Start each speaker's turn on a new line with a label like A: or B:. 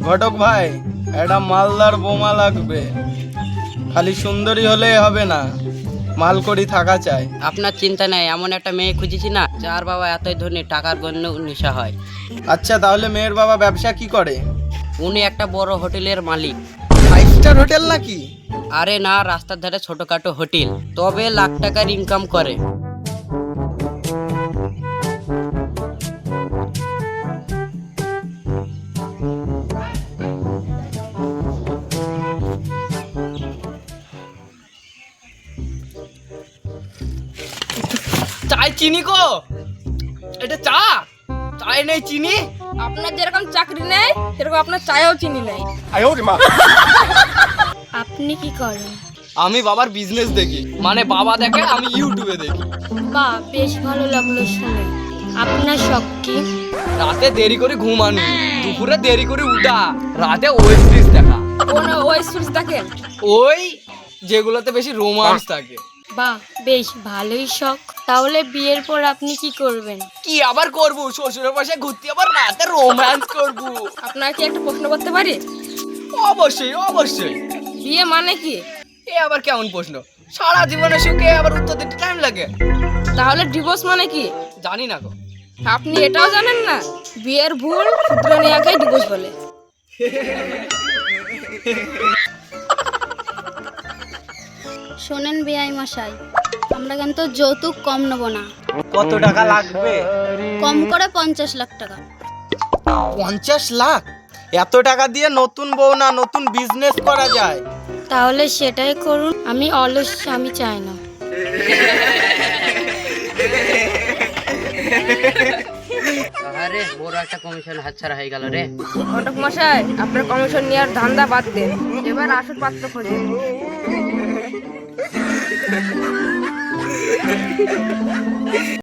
A: ঘটক ভাই, একটা মালদার বোমা লাগবে। খালি সুন্দরী হলে হবে না, মালকড়ি থাকা চাই।
B: আপনার চিন্তা নেই, এমন একটা মেয়ে খুঁজেছি না যার বাবা এতই ধনী টাকার গণ্য নেশা হয়।
A: আচ্ছা, তাহলে মেয়ের বাবা ব্যবসা কি করে?
B: উনি একটা বড় হোটেলের মালিক।
A: 5 স্টার হোটেল নাকি?
B: আরে না, রাস্তার ধারে ছোটখাটো হোটেল, তবে লাখ টাকার ইনকাম করে।
A: চাই চিনি কো? এটা চা? চায় নেই চিনি?
C: আপনার যেরকম চাকরি নেই সেরকম আপনার চায়েও চিনি নেই। আপনি কি করেন?
A: আমি বাবার বিজনেস দেখি, মানে বাবা দেখে আমি ইউটিউবে দেখি।
C: বাহ, বেশ ভালো লাগলো শুনে। আপনার শখ কি?
A: রাতে দেরি করে ঘুমানো, দুপুরে দেরি করে উঠা, রাতে ওয়েব সিরিজ দেখা।
C: কোন ওয়েব সিরিজ দেখেন?
A: ওই যেগুলোতে বেশি রোমান্স থাকে।
C: বাহ, বেশ ভালোই শখ। তাহলে বিয়ের পর আপনি কি করবেন?
A: কি আবার করব? শ্বশুরের পাশে ঘুরতে, আবার রাতে রোম্যান্স করব।
C: আপনার কি একটা প্রশ্ন করতে পারি?
A: অবশ্যই অবশ্যই।
C: বিয়ে মানে কি?
A: এ আবার কেমন প্রশ্ন? সারা জীবনে সুখে আবার উত্তর দিতে টাইম লাগে।
C: তাহলে ডিভোর্স মানে কি?
A: জানি না গো।
C: আপনি এটাও জানেন না? বিয়ের ভুল শুধরে নেওয়াকে ডিভোর্স বলে।
D: শোনেন বেআই মশাই, আমরা কিন্তু যৌতুক কম নেব না।
A: কত টাকা লাগবে?
D: কম করে 50 লাখ টাকা।
A: 50 লাখ? এত টাকা দিয়ে নতুন বউ না, নতুন বিজনেস করা যায়।
C: তাহলে সেটাই করুন। আমি অলস স্বামী চাই না।
B: আরে বড় একটা কমিশন হাতছাড়া হয়ে গেল রে।
C: ঘটক মশাই, আপনার কমিশন নেওয়ার ধান্দা বাদ দেন, এবার আসল পাত্র খোঁজেন।